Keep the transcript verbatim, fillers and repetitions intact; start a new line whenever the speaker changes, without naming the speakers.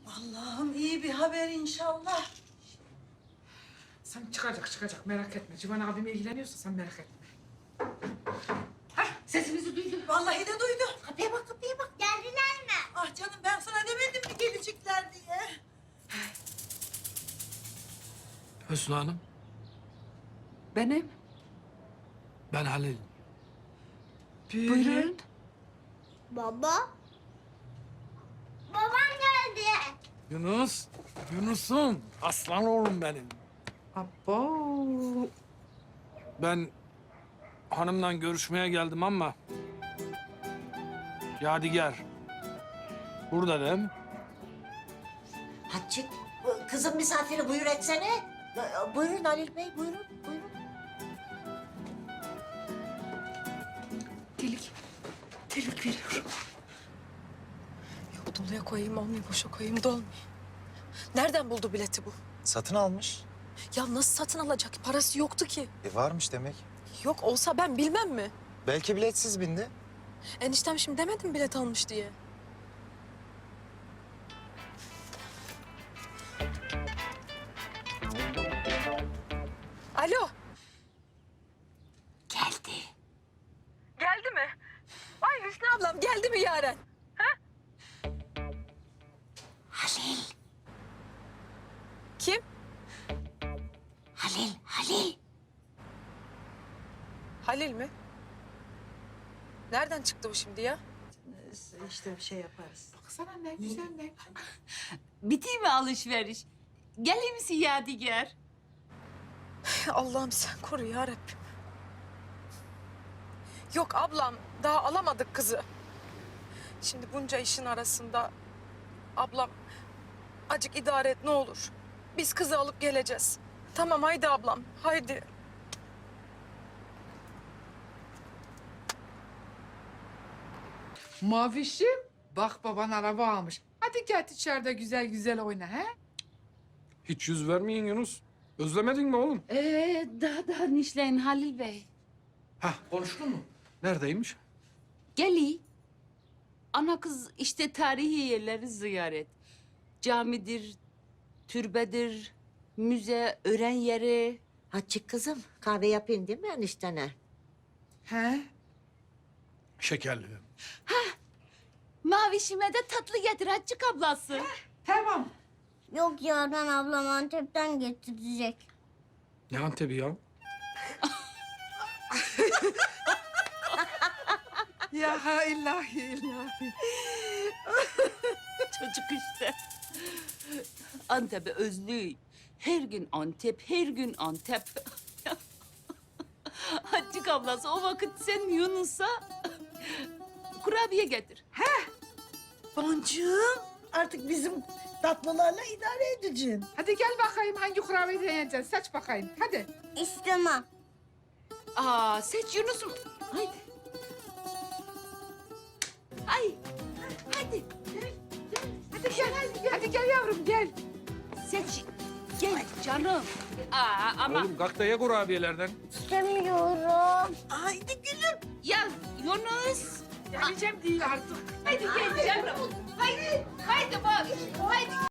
Allah'ım iyi bir haber inşallah.
Sen çıkacak çıkacak merak etme. Civan abim ilgileniyorsa sen merak etme. Hah sesimizi duydu.
Vallahi de duydu.
Kapıya bak, kapıya bak. Geldiler mi?
Ah canım ben sana demedim mi gelecekler diye.
Hüsnü Hanım,
Benim.
ben Halil.
Buyurun.
Baba. Babam geldi.
Yunus, Yunus'um. Aslan oğlum benim.
Abo.
Ben hanımla görüşmeye geldim ama... Yadigar. Burada değil mi?
Hatice, kızım misafiri buyur etsene. Buyurun Halil Bey, buyurun, buyurun.
Delik. Delik veriyorum. Yok doluya koyayım olmuyor, boşa koyayım da olmuyor. Nereden buldu bileti bu?
Satın almış.
Ya nasıl satın alacak? Parası yoktu ki.
E varmış demek.
Yok olsa ben bilmem mi?
Belki biletsiz bindi.
Eniştem şimdi demedim bilet almış diye. Alo.
Geldi.
Geldi mi? Ay Hüsnü ablam geldi mi Yaren?
Halil,
Kim?
Halil, Halil.
Halil mi? Nereden çıktı bu şimdi ya?
İşte bir şey yaparız.
Baksana ne güzel ne.
Bitti mi alışveriş? Gelir misin Yadigar?
Allah'ım sen koru ya Rabbim. Yok ablam daha alamadık kızı. Şimdi bunca işin arasında ablam acık idare et ne olur. Biz kızı alıp geleceğiz. Tamam haydi ablam haydi.
Mavişim bak baban araba almış. Hadi gel içeride güzel güzel oyna he.
Hiç yüz vermeyin Yunus. Özlemedin mi oğlum?
Ee, daha daha nişleyin Halil Bey.
Hah, konuştun mu? Neredeymiş?
Geli. Ana kız işte tarihi yerleri ziyaret. Camidir, türbedir, müze, öğren yeri.
Hatice kızım, kahve yapayım değil mi eniştene?
He?
Şekerli.
Mavişime de tatlı getir Hacık ablası.
Tamam.
Yok Yaren ablam Antep'ten getirecek.
Ne Antep'i ya?
Ya ha ilahi ilahi.
Çocuk işte. Antep'e özlüyor. Her gün Antep, her gün Antep. Hacık ablası o vakit sen Yunus'a kurabiye getir.
Boncuğum artık bizim tatlılarla idare edeceksin.
Hadi gel bakayım hangi kurabiye deneyeceksin. Seç bakayım hadi.
İstemem.
Aa seç Yunus'um. Haydi. Ay. Hadi.
Hadi gel hadi gel. Hadi gel yavrum gel.
Seç. Gel canım. Aa ama
Oğlum kalk da ye kurabiyelerden.
İstemiyorum.
Haydi gülüm.
ya Yunus.
Geleceğim değil artık.
Haydi gel canım. Haydi. Haydi bak. Haydi.